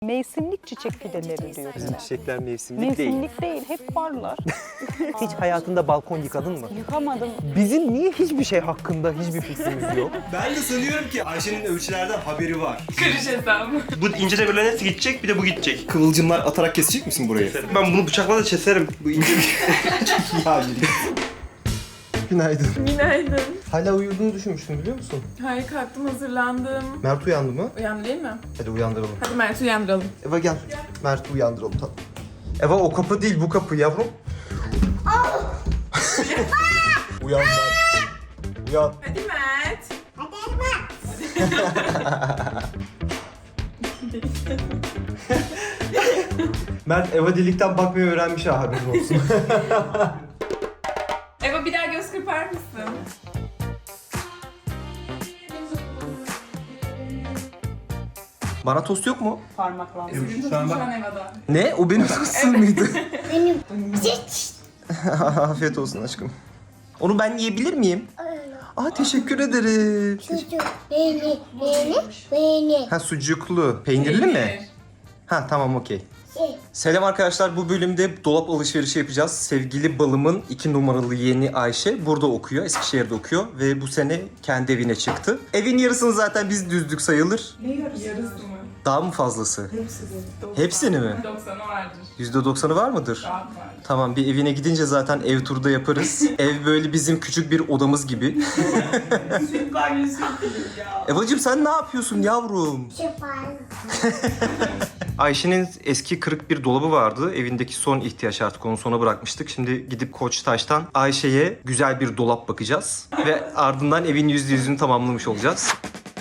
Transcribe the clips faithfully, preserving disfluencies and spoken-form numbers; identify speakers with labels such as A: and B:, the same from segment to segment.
A: Mevsimlik çiçek fideleri diyor.
B: Bizim çiçekler mevsimlik değil.
A: Mevsimlik değil, hep varlar.
B: Hiç hayatında balkon yıkadın mı?
A: Yıkamadım.
B: Bizim niye hiçbir şey hakkında hiçbir fikrimiz yok?
C: Ben de sanıyorum ki Ayşe'nin ölçülerden haberi var.
D: Karış hesabı.
E: Bu ince demirlerin hepsi gidecek, bir de bu gidecek.
C: Kıvılcımlar atarak kesecek misin burayı?
E: Ben bunu bıçakla da keserim. Bu ince
C: Ya
B: Günaydın.
D: Günaydın.
B: Hala uyuduğunu düşünmüştüm biliyor musun?
D: Hayır kalktım hazırlandım.
B: Mert uyandı mı?
D: Uyandı değil mi?
B: Hadi uyandıralım.
D: Hadi Mert uyandıralım.
B: Eva gel. Mert'i uyandıralım tamam. Eva o kapı değil bu kapı yavrum. Uyan Mert. Uyan.
D: Hadi Mert.
B: Mert Eva delikten bakmayı öğrenmiş ha haberin olsun.
D: Eva bir daha göz kırpar mısın?
B: Bana tost yok mu?
A: Parmaklandı.
D: Şu an Eva'da.
B: Ne? O benim tostum muydu?
F: Benim hiç
B: Afiyet olsun aşkım. Onu ben yiyebilir miyim? Aa teşekkür ederim.
F: çocuk beni beni beni
B: Ha sucuklu. Peynirli mi? Ha tamam okey.
F: şey
B: Selam arkadaşlar, bu bölümde dolap alışverişi yapacağız. Sevgili balımın iki numaralı yeğeni Ayşe burada okuyor, Eskişehir'de okuyor ve bu sene kendi evine çıktı. Evin yarısını zaten biz düzdük sayılır.
D: Ne yarısı? Yarısı mı?
B: Daha mı fazlası? Hepsini mi?
D: doksanı vardır.
B: yüzde doksanı var mıdır?
D: Rahat var.
B: Tamam, bir evine gidince zaten ev turu da yaparız. Ev böyle bizim küçük bir odamız gibi.
D: Sütler yüzü ya.
B: Evacığım sen ne yapıyorsun yavrum?
F: şefal
B: Ayşe'nin eski kırık bir dolabı vardı. Evindeki son ihtiyaç, artık onu sona bırakmıştık. Şimdi gidip Koçtaş'tan Ayşe'ye güzel bir dolap bakacağız. Ve ardından evin yüzde yüzünü tamamlamış olacağız.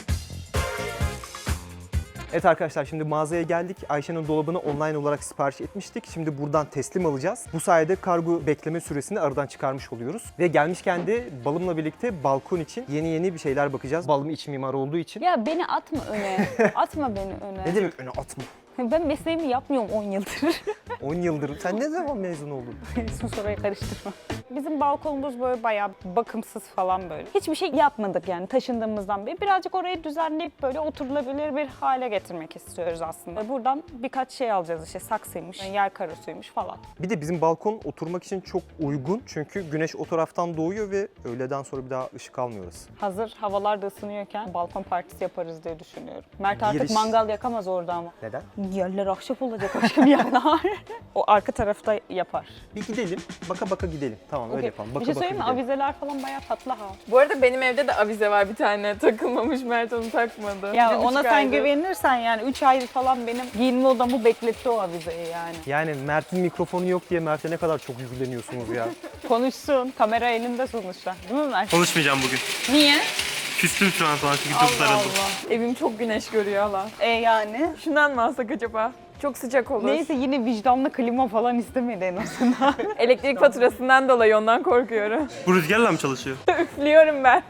B: Evet arkadaşlar, şimdi mağazaya geldik. Ayşe'nin dolabını online olarak sipariş etmiştik. Şimdi buradan teslim alacağız. Bu sayede kargo bekleme süresini aradan çıkarmış oluyoruz. Ve gelmişken de balımla birlikte balkon için yeni yeni bir şeyler bakacağız. Balım iç mimar olduğu için.
A: Ya beni atma öne. Atma beni öne.
B: Ne demek öne atma?
A: Ben mesleğimi yapmıyorum on yıldır.
B: on yıldır. Sen ne zaman mezun oldun?
A: Sus orayı karıştırma. Bizim balkonumuz böyle bayağı bakımsız falan böyle. Hiçbir şey yapmadık yani taşındığımızdan beri. Birazcık orayı düzenleyip böyle oturulabilir bir hale getirmek istiyoruz aslında. Buradan birkaç şey alacağız işte, saksıymış, yer karosuymuş falan.
B: Bir de bizim balkon oturmak için çok uygun. Çünkü güneş o taraftan doğuyor ve öğleden sonra bir daha ışık almıyoruz.
A: Hazır havalar da ısınıyorken balkon partisi yaparız diye düşünüyorum. Mert artık
B: Giriş.
A: mangal yakamaz orada ama.
B: Neden?
A: Yerler ahşap olacak aşkım yerler. O arka tarafta yapar.
B: Bir gidelim, baka baka gidelim. Tamam öyle
A: Okey.
B: yapalım.
A: Bir
B: Baka
A: şey
B: baka
A: söyleyeyim mi?
B: gidelim.
A: Avizeler falan bayağı tatlı ha.
D: Bu arada benim evde de avize var bir tane. Takılmamış, Mert onu takmadı.
A: Ya
D: Bir
A: ona
D: buçuk
A: sen
D: aydır.
A: güvenirsen yani üç ay falan benim giyinme odamı bekletti o avizeyi yani.
B: Yani Mert'in mikrofonu yok diye Mert'e ne kadar çok yükleniyorsunuz ya.
A: Konuşsun. Kamera elinde sonuçta. Değil mi Mert?
E: konuşmayacağım bugün.
A: Niye?
E: Küstüm şu an sana çünkü çok
D: Allah
E: sarıldım.
D: Allah. Evim çok güneş görüyor hala.
A: E yani?
D: Şundan mı alsak acaba? Çok sıcak olur.
A: Neyse yine vicdanlı klima falan istemedi en azından.
D: Elektrik faturasından dolayı ondan korkuyorum.
E: Bu rüzgarla mı çalışıyor?
D: Üflüyorum ben.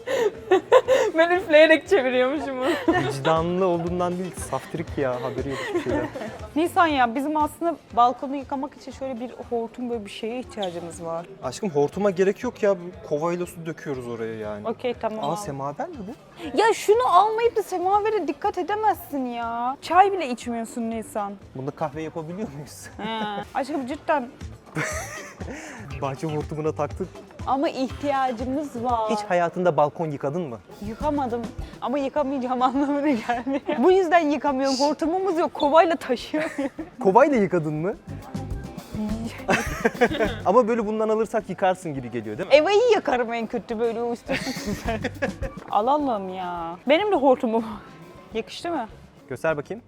D: Ben üfleyerek çeviriyormuşum onu.
B: Vicdanlı olduğundan değil, saftirik ya, haberi yok hiçbir şeyden.
A: Nisan ya bizim aslında balkonu yıkamak için şöyle bir hortum böyle bir şeye ihtiyacımız var.
B: Aşkım hortuma gerek yok ya, kovayla su döküyoruz oraya yani.
A: Okey tamam.
B: Aa
A: al.
B: semaver mi bu?
A: Ya şunu almayıp da semavere dikkat edemezsin ya. Çay bile içmiyorsun Nisan.
B: Bunda kahve yapabiliyor muyuz?
A: He. Aşkım cidden
B: Bahçe hortumuna taktık.
A: ama ihtiyacımız var.
B: Hiç hayatında balkon yıkadın mı?
A: Yıkamadım ama yıkamayacağım anlamına gelmiyor. Bu yüzden yıkamıyorum. Hortumumuz yok. Kovayla taşıyorum.
B: Kovayla yıkadın mı? Ama böyle bundan alırsak yıkarsın gibi geliyor değil mi?
A: Eva'yı yakarım en kötü böyle o istiyorsun sen. Alalım ya. Benim de hortumum. Yakıştı mı?
B: Göster bakayım.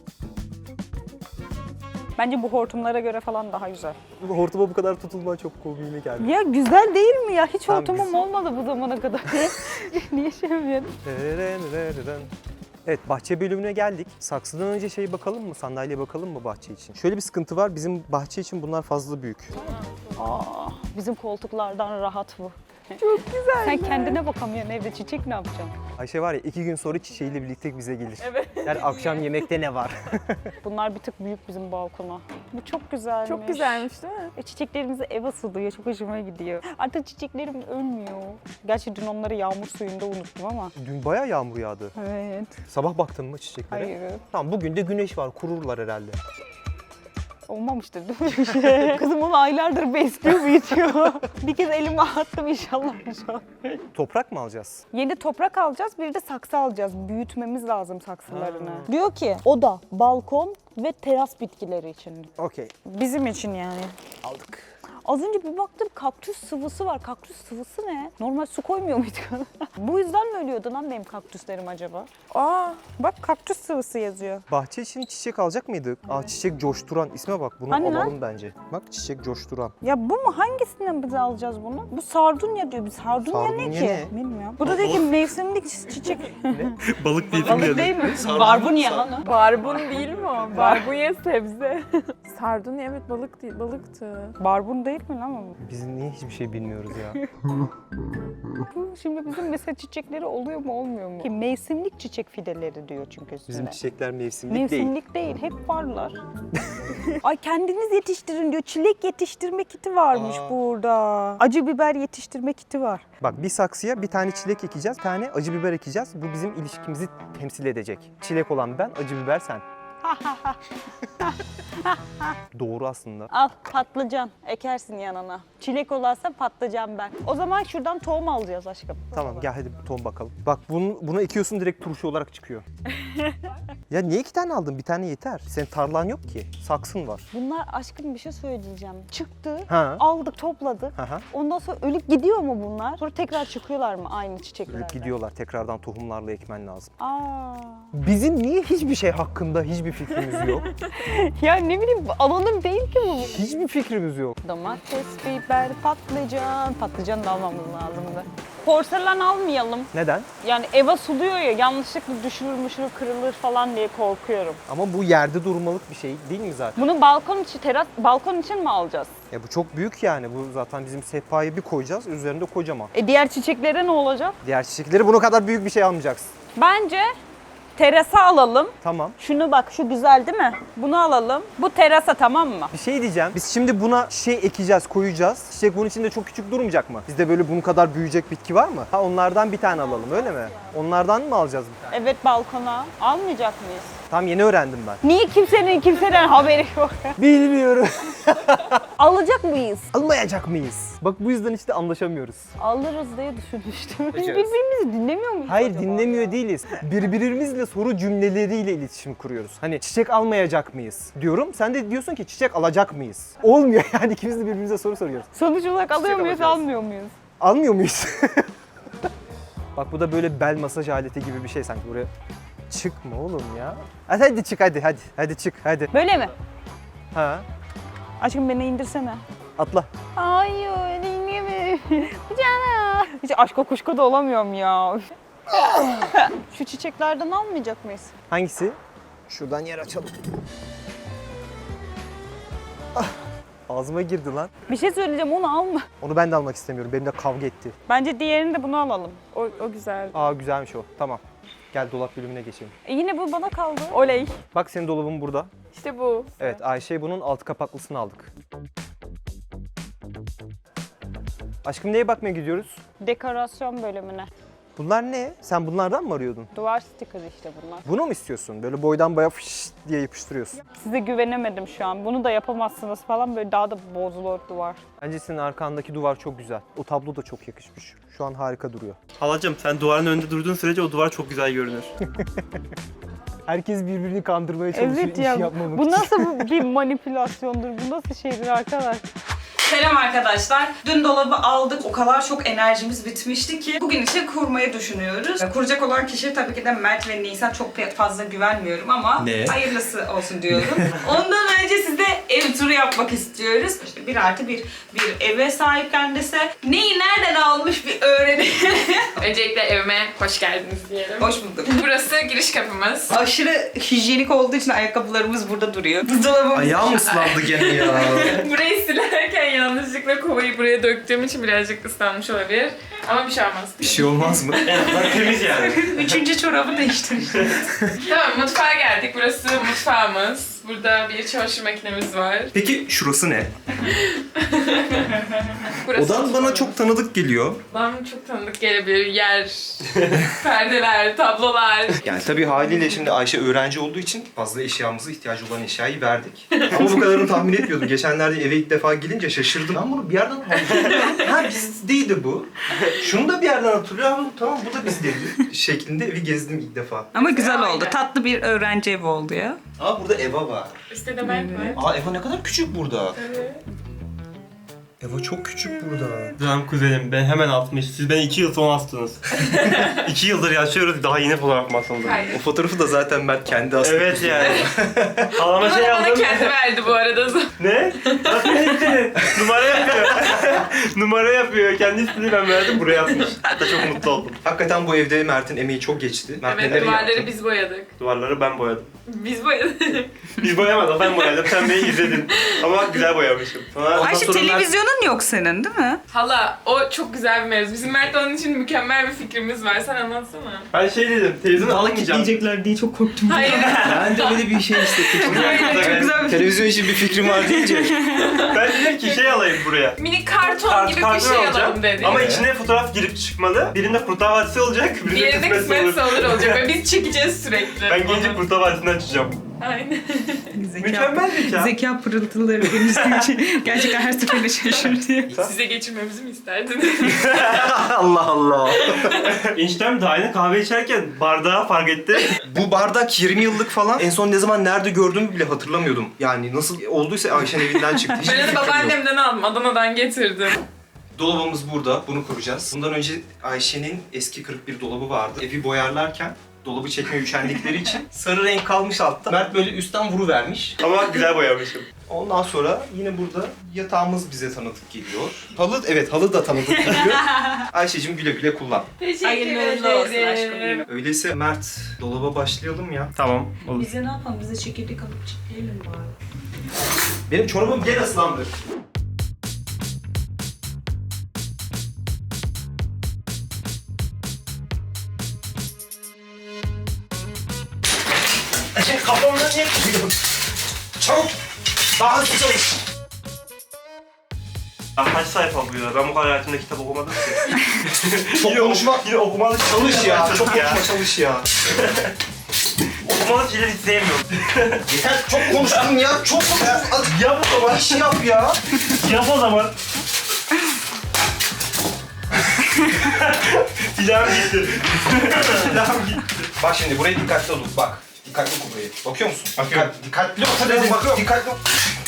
A: Bence bu hortumlara göre falan daha güzel.
B: Bu hortuma bu kadar tutulma çok komiğime geldi.
A: Ya güzel değil mi ya? Hiç
B: Tamam,
A: hortumum
B: güzel.
A: olmadı bu zamana kadar. Niye şey yapıyorsun?
B: Evet, bahçe bölümüne geldik. Saksıdan önce şey bakalım mı? Sandalye bakalım mı bahçe için? Şöyle bir sıkıntı var. Bizim bahçe için bunlar fazla büyük.
A: Aa, bizim koltuklardan rahat bu.
D: Çok güzel.
A: Sen kendine bakamıyorsun evde, çiçek ne yapacaksın?
B: Ayşe var ya iki gün sonra çiçeğiyle birlikte bize gelir.
D: Evet.
B: Yani akşam yemekte ne var?
A: Bunlar bir tık büyük bizim balkona. Bu çok güzelmiş.
D: Çok güzelmiş değil mi?
A: E, çiçeklerimizi ev asılıyor. Çok hoşuma gidiyor. Artık çiçeklerim ölmüyor. Gerçi dün onları yağmur suyunda unuttum ama.
B: Dün bayağı yağmur yağdı.
A: Evet.
B: Sabah baktın mı çiçeklere?
A: Hayır.
B: Tamam bugün de güneş var. Kururlar herhalde.
A: Olmamıştır değil mi bir şey? Kızım onu aylardır besliyor, büyütüyor. Bir kez elime attım, inşallah şu an.
B: Toprak mı alacağız?
A: Yeni toprak alacağız, bir de saksı alacağız. Büyütmemiz lazım saksılarını. Diyor ki oda, balkon ve teras bitkileri için.
B: Okey.
A: Bizim için yani.
B: Aldık.
A: Az önce bir baktım kaktüs sıvısı var. Kaktüs sıvısı ne? Normal su koymuyor muyduk? Bu yüzden mi ölüyordu lan benim kaktüslerim acaba? Aa, bak kaktüs sıvısı yazıyor.
B: Bahçe için çiçek alacak mıydık? Aa çiçek coşturan. İsme bak bunu
A: Hani lan?
B: alalım bence. Bak çiçek coşturan.
A: Ya bu mu? Hangisinden biz alacağız bunu? Bu sardunya diyor. Biz sardunya, ne
B: Sardunya
A: ki?
B: ne?
A: Bilmiyorum. Bu da diyor ki mevsimlik çiçek.
E: Balık değil
A: Balık değil mi? Barbunya lan o.
D: Barbun değil mi o? Barbunya sebze. Sardunya evet balık değil, balıktı.
A: Barbun değil mi lan o?
B: Biz niye hiçbir şey bilmiyoruz ya?
A: Bu şimdi bizim mesela çiçekleri oluyor mu olmuyor mu? Ki mevsimlik çiçek fideleri diyor çünkü üstünde.
B: Bizim çiçekler mevsimlik değil.
A: Mevsimlik değil. Hep varlar. Ay kendiniz yetiştirin diyor. Çilek yetiştirme kiti varmış
B: Aa.
A: burada. Acı biber yetiştirme kiti var.
B: Bak bir saksıya bir tane çilek ekeceğiz, bir tane acı biber ekeceğiz. Bu bizim ilişkimizi temsil edecek. Çilek olan ben, acı biber sen. Doğru aslında.
A: Al patlıcan ekersin yanına. Çilek olarsa patlıcan ben. O zaman şuradan tohum alacağız aşkım.
B: Tamam gel hadi tohum bakalım. Bak bunu, bunu ekiyorsun direkt turşu olarak çıkıyor. Ya niye iki tane aldın? Bir tane yeter. Senin tarlan yok ki. Saksın var.
A: Bunlar aşkım bir şey söyleyeceğim. Çıktı,
B: Ha.
A: aldık, topladık.
B: Aha.
A: Ondan sonra ölüp gidiyor mu bunlar? Sonra tekrar çıkıyorlar mı aynı çiçeklerden?
B: Ölüp gidiyorlar. Tekrardan tohumlarla ekmen lazım.
A: Aa.
B: Bizim niye hiçbir şey hakkında hiçbir fikrimiz yok?
A: Ya ne bileyim alanım değil ki bu.
B: Hiçbir fikrimiz yok.
A: Domates, biber, patlıcan. Patlıcan da almamız lazımdı. Porselen almayalım.
B: Neden?
A: Yani eve suluyor ya, yanlışlıkla düşürür müşürür kırılır falan diye korkuyorum.
B: Ama bu yerde durmalık bir şey değil mi zaten?
A: Bunu balkon için, teras, balkon için mi alacağız?
B: Ya bu çok büyük yani. Bu zaten bizim sehpayı bir koyacağız. Üzerinde kocaman.
A: E diğer çiçeklere ne olacak?
B: Diğer çiçekleri bunu kadar büyük bir şey almayacaksın.
A: Bence terasa alalım.
B: Tamam.
A: Şunu bak, şu güzel değil mi? Bunu alalım. Bu terasa, tamam mı?
B: Bir şey diyeceğim. Biz şimdi buna şey ekeceğiz, koyacağız. Çiçek bunun içinde çok küçük durmayacak mı? Bizde böyle bunun kadar büyüyecek bitki var mı? Ha onlardan bir tane alalım öyle mi? Onlardan mı alacağız bir tane?
A: Evet, balkona. Almayacak mıyız?
B: Tam yeni öğrendim ben.
A: Niye kimsenin kimseden haberi yok?
B: Bilmiyorum.
A: Alacak mıyız?
B: Almayacak mıyız? Bak bu yüzden işte anlaşamıyoruz.
A: Alırız diye düşünmüştüm. Biz
B: Alacağız.
A: birbirimizi dinlemiyor muyuz
B: Hayır
A: acaba
B: dinlemiyor
A: ya?
B: değiliz. Birbirimizle soru cümleleriyle iletişim kuruyoruz. Hani çiçek almayacak mıyız diyorum. Sen de diyorsun ki çiçek alacak mıyız? Olmuyor yani ikimiz de birbirimize soru soruyoruz.
A: Sonuç olarak alıyor muyuz,
B: alacağız.
A: almıyor muyuz?
B: Almıyor muyuz? Bak bu da böyle bel masaj aleti gibi bir şey sanki buraya. Çıkma oğlum ya. Hadi, hadi çık hadi hadi. Hadi çık hadi.
A: Böyle mi?
B: Ha.
A: Aşkım beni indirsene.
B: Atla.
A: Hayır, dinleme. Canım. Hiç aşka kuşka da olamıyorum ya. Şu çiçeklerden almayacak mıyız?
B: Hangisi? Şuradan yer açalım. Ah, ağzıma girdi lan.
A: Bir şey söyleyeceğim, onu alma.
B: Onu ben de almak istemiyorum. Benimle kavga etti.
A: Bence diğerini de bunu alalım.
D: O, o güzel.
B: Aa güzelmiş o. Tamam. Gel dolap bölümüne geçelim.
A: E yine bu bana kaldı.
D: Oley.
B: Bak senin dolabın burada.
D: İşte bu.
B: Evet Ayşe bunun altı kapaklısını aldık. Aşkım neye bakmaya gidiyoruz?
A: Dekorasyon bölümüne.
B: Bunlar ne? Sen bunlardan mı arıyordun?
A: Duvar stikeri işte bunlar.
B: Bunu mu istiyorsun? Böyle boydan boya fış diye yapıştırıyorsun.
A: Size güvenemedim şu an. Bunu da yapamazsınız falan, böyle daha da bozulur duvar.
B: Bence senin arkandaki duvar çok güzel. O tablo da çok yakışmış. Şu an harika duruyor.
E: Halacığım sen duvarın önünde durduğun sürece o duvar çok güzel görünür.
B: Herkes birbirini kandırmaya çalışıyor
A: Evet
B: iş
A: ya,
B: yapmamak
A: bu
B: için.
A: nasıl bir manipülasyondur, bu nasıl şeydir arkadaş? Selam arkadaşlar. Dün dolabı aldık. O kadar çok enerjimiz bitmişti ki bugün için kurmayı düşünüyoruz. Kuracak olan kişi tabii ki de Mert ve Nisan, çok fazla güvenmiyorum ama
C: Ne?
A: hayırlısı olsun diyorum. Ondan önce size ev turu yapmak istiyoruz. İşte bir artı bir bir eve sahip kendisi. Neyi nereden almış bir öğrenelim.
D: Öncelikle evime hoş geldiniz diyelim.
A: Hoş bulduk.
D: Burası giriş kapımız.
A: Aşırı hijyenik olduğu için ayakkabılarımız burada duruyor. Buzdolabımız
E: Ayağım ıslandı gene ya.
D: Burayı silerken yanlışlıkla kovayı buraya döktüğüm için birazcık ıslanmış olabilir. Ama bir şey olmaz.
C: Bir şey olmaz mı?
E: En azından temiz yani.
A: Üçüncü çorabı değiştir.
D: Tamam, mutfağa geldik. Burası mutfağımız. Burada bir çamaşır makinemiz var.
C: Peki şurası ne?
D: Burası
C: Odan bana
D: mutfağımız.
C: çok tanıdık geliyor.
D: Bana çok tanıdık gelebilir. Yer, perdeler, tablolar.
C: Yani tabii haliyle şimdi Ayşe öğrenci olduğu için fazla eşyamızı, ihtiyacı olan eşyayı verdik. Ama bu kadarını tahmin etmiyordum. Geçenlerde eve ilk defa gelince şaşırdım. Ben bunu bir yerden hatırlıyorum. Ha bizdeydi bu. Şunu da bir yerden hatırlıyorum. Tamam bu da bizdeydi. Şeklinde evi gezdim ilk defa.
A: Ama güzel
D: Aynen.
A: oldu. Tatlı bir öğrenci evi oldu ya.
C: Aa burada Eva var.
D: İşte demek mi?
C: Aa Eva ne kadar küçük burada.
D: Evet.
C: Eva çok küçük burada.
E: Canım kuzenim ben hemen altmış. Siz beni iki yıl sonra astınız. iki yıldır yaşıyoruz daha yeni fotoğraf masasında.
C: O
D: Hayır.
C: fotoğrafı da zaten Mert kendi aslında.
E: Evet yani. Halama şey
D: Bana
E: aldım.
D: kendi verdi bu arada.
E: Ne? Nasıl ne? Numara yapıyor. Numara yapıyor. Kendi ismini ben verdim buraya atmış. Hatta çok mutlu oldum.
C: Hakikaten bu evde Mert'in emeği çok geçti. Mert
D: Evet,
C: neler
D: duvarları
C: yaptı?
D: biz boyadık.
E: Duvarları ben boyadım.
D: Biz boyadık.
E: Biz boyamadık ben boyadım. Sen beni izledin. Ama güzel boyamışım. Sonra ondan
A: Ayşe
E: sonra Mert-
A: televizyonun yok senin değil mi?
D: Hala o çok güzel bir mevzu. Bizim Mert'le onun için mükemmel bir fikrimiz var. Sen anlatsana.
E: Ben şey dedim. Televizyonu almayacağım.
A: diye çok korktum.
D: Hayır.
C: Ben de öyle bir şey hissettim.
A: Çok güzel bir
C: Televizyon için bir fikrim var deyince.
E: Ben dedim ki şey alayım buraya.
D: Mini karton
E: Kart,
D: gibi bir
E: karton
D: şey
E: alacağım.
D: alalım dedik.
E: Ama içine fotoğraf girip çıkmalı. Birinde Kurtlar Vadisi olacak, birinde
D: Diğerinde
E: kısmetse olur.
D: kısmetse olur olacak ve biz çekeceğiz sürekli.
E: Ben gelince Kurtlar Vadisi'ni açacağım.
D: Aynen.
E: Mükemmel zeka.
A: Zeka pırıltıları benim için gerçekten her seferinde şaşırtıyor.
D: Size geçirmemizi mi isterdiniz?
C: Allah Allah.
E: Eniştem daha yeni kahve içerken bardağı fark etti.
C: Bu bardak yirmi yıllık falan. En son ne zaman nerede gördüğümü bile hatırlamıyordum. Yani nasıl olduysa Ayşe'nin evinden çıktı. Hiçbir
D: Ben onu
C: fikrim yok.
D: babaannemden aldım. Adana'dan getirdim.
C: Dolabımız burada. Bunu kuracağız. Bundan önce Ayşe'nin eski kırık bir dolabı vardı. Evi boyarlarken dolabı çekmeye üşendikleri için sarı renk kalmış altta. Mert böyle üstten vuruvermiş.
E: Ama güzel boyamışım.
C: Ondan sonra yine burada yatağımız bize tanıdık geliyor. Halı, evet halı da tanıdık geliyor. Ayşe'cim güle güle kullan.
D: Teşekkür
A: Hayırlı uğurlu olsun aşkım.
D: ederim.
C: Öyleyse Mert dolaba başlayalım ya.
E: Tamam, olur.
A: Bize ne yapalım? Bize çekirdek alıp çitleyelim bari.
C: Benim çorabım gene ıslandı. Kafamda niye kırıyorsun? Çabuk! Daha hızlı çalış!
E: Ya kaç sayfa bu ya? Ben bu kadar hayatımda kitap okumadım ki.
C: Çok konuşma.
E: Yine okumalı
C: Çalış ya, çok
E: ya.
C: konuşma çalış ya.
E: Okumalı şeyleri hiç sevmiyorum.
C: Yeter çok konuştun ya, çok konuştun. Hadi
E: Yap o zaman.
C: iş yap ya.
E: Yap o zaman. Silahım gitti. Silahım gitti.
C: Bak şimdi burayı dikkatli ol, bak. Dikkatli oku burayı. Bakıyor musun?
E: Bakıyorum.
C: Dikkat, dikkatli oku dedim, bakıyorum. Dikkatli oku.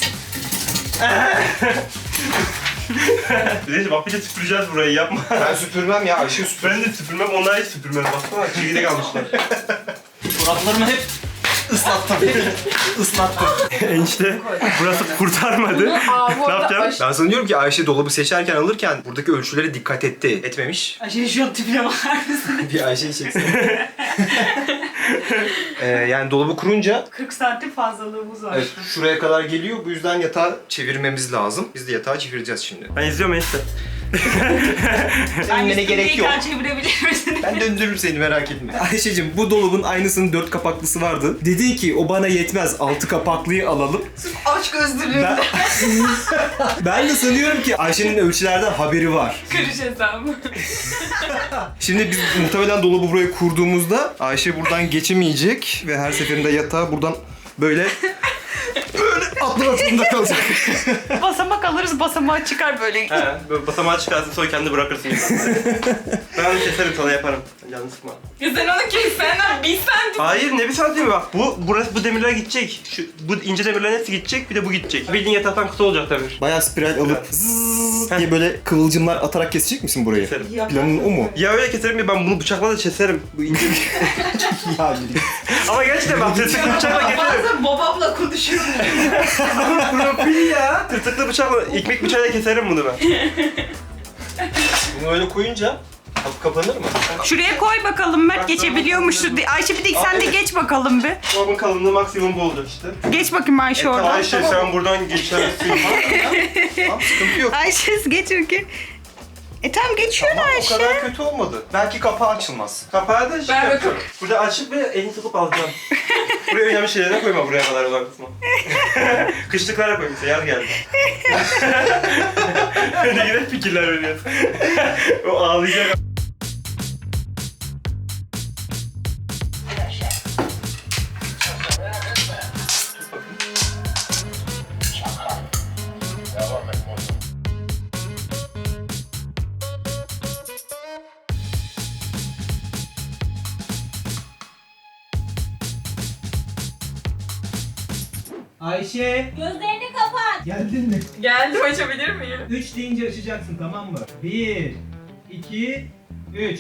E: Neyse bak bir de süpüreceğiz burayı yapma.
C: Ben süpürmem ya, Ayşe süpür.
E: Ben de süpürmem, onlar hiç süpürmez. Baksana çekirdek almışlar.
C: Çoraplarımı hep ıslattım. Islattım.
E: Enişte burası kurtarmadı.
D: Aa, bu
E: Ne
D: arada
E: yapacağım?
D: aş-
C: Ben sanıyorum ki Ayşe dolabı seçerken alırken buradaki ölçülere dikkat etti. Etmemiş.
A: Ayşe şu an tipine bakar mısın?
C: Bir Ayşe'yi çeksin. ee, yani dolabı kurunca
A: kırk santim fazlalığımız var.
C: evet, şuraya kadar geliyor. Bu yüzden yatağı çevirmemiz lazım. Biz de yatağı çevireceğiz şimdi.
E: Ben izliyorum enişte.
C: Seninle gerek yok.
A: Çevirebilir misin?
C: Ben döndürürüm seni merak etme. Ayşe'cim bu dolabın aynısının dört kapaklısı vardı. Dedin ki o bana yetmez altı kapaklıyı alalım.
A: Aç gözlülüğünde.
C: Ben, ben de sanıyorum ki Ayşe'nin ölçülerden haberi var.
D: Kırış hesabı.
C: Şimdi biz muhtemelen dolabı buraya kurduğumuzda Ayşe buradan geçemeyecek ve her seferinde yatağı buradan böyle böyle atlamak zorunda kalacak.
A: Basamak alırız, basamağı çıkar böyle.
E: He, böyle basamağı çıkarsın sonra kendi bırakırsın. Ben onu keserim sana yaparım. Canını sıkma.
D: Ya sen onu kes, senden bir santim.
E: Hayır ne bir santimi bak. Bu burası bu demirler gidecek. Şu bu ince demirlerin hepsi gidecek. Bir de bu gidecek. Bildiğin yataktan kısa olacak demir.
C: Bayağı spiral alıp zzzz diye böyle kıvılcımlar atarak kesecek misin burayı?
E: Keserim.
C: Planın o mu?
E: Ya öyle keserim ya ben bunu bıçakla da keserim. Bu ince bir
C: Ya yürü.
E: Ama gerçekten bak tırtıklı bıçakla keserim.
A: Bazen babamla konuşuyorum.
E: Profil ya. Tırtıklı bıçakla, ekmek bıçağıyla keserim bunu ben.
C: Bunu öyle koyunca Kap- kapanır mı?
A: Şuraya koy bakalım Mert geçebiliyor mu şu? Ayşe bir de sen de geç bakalım bir.
E: Dolabın kalınlığı maksimum bu olacak işte.
A: Geç bakayım Ayşe oradan.
E: Ayşe sen buradan geçersin.
C: Tamam, sıkıntı yok.
A: Ayşe geç bakayım. E tamam geçiyor
C: Tamam, o
A: Ayşe.
C: kadar kötü olmadı. Belki kapağı açılmaz.
E: Kapağı da şey
D: Ver
E: yapacağım.
D: bakalım.
E: Burada açıp ve elini tutup alacaksın. Buraya önemli şeylerine koyma, buraya kadar olan kısmı. Kışlıklara koy mesela, yaz geldi. Ne güzel fikirler veriyorsun. O ağlayacak.
B: Ayşe
F: Gözlerini kapat.
B: geldin mi?
D: Geldim, açabilir miyim?
B: üç deyince açacaksın tamam mı? bir, iki, üç.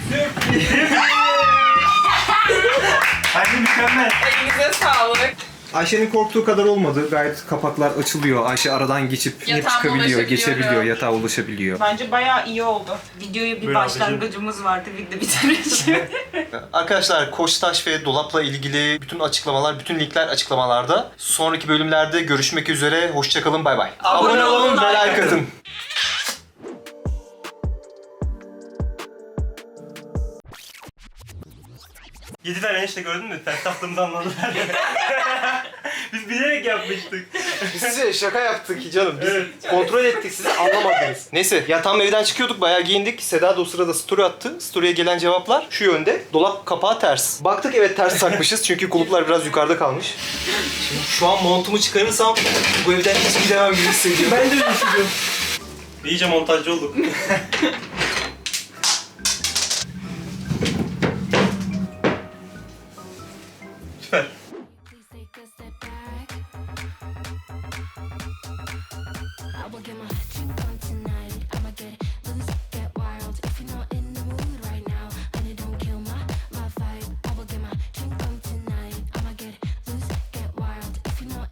E: Anne mükemmel.
D: Elinize sağlık.
C: Ayşe'nin korktuğu kadar olmadı. Gayet kapaklar açılıyor. Ayşe aradan geçip inip
D: Yatağıma
C: çıkabiliyor,
D: ulaşabiliyorum.
C: geçebiliyor, yatağa ulaşabiliyor.
A: Bence bayağı iyi oldu. Videoya bir
E: Buyur
A: başlangıcımız vardı, bir de bitireceğim.
C: Arkadaşlar Koçtaş ve dolapla ilgili bütün açıklamalar, bütün linkler açıklamalarda. Sonraki bölümlerde görüşmek üzere. Hoşçakalın, bay bay.
A: Abone olun,
C: ve
A: like
C: like atın.
E: Yedi tane enişte gördün mü? Ters taktığımızı anladılar. Biz bilerek yapmıştık.
C: Biz size şaka yaptık canım. Biz kontrol ettik, sizi anlamadınız. Neyse ya tam evden çıkıyorduk, bayağı giyindik. Seda da o sırada story attı. Story'e gelen cevaplar şu yönde. Dolap kapağı ters. Baktık evet ters takmışız çünkü kuluplar biraz yukarıda kalmış. Şimdi şu an montumu çıkarırsam bu evden hiç gidemem gibi hissediyorum.
E: Ben de öyle hissediyorum. İyice montajcı olduk.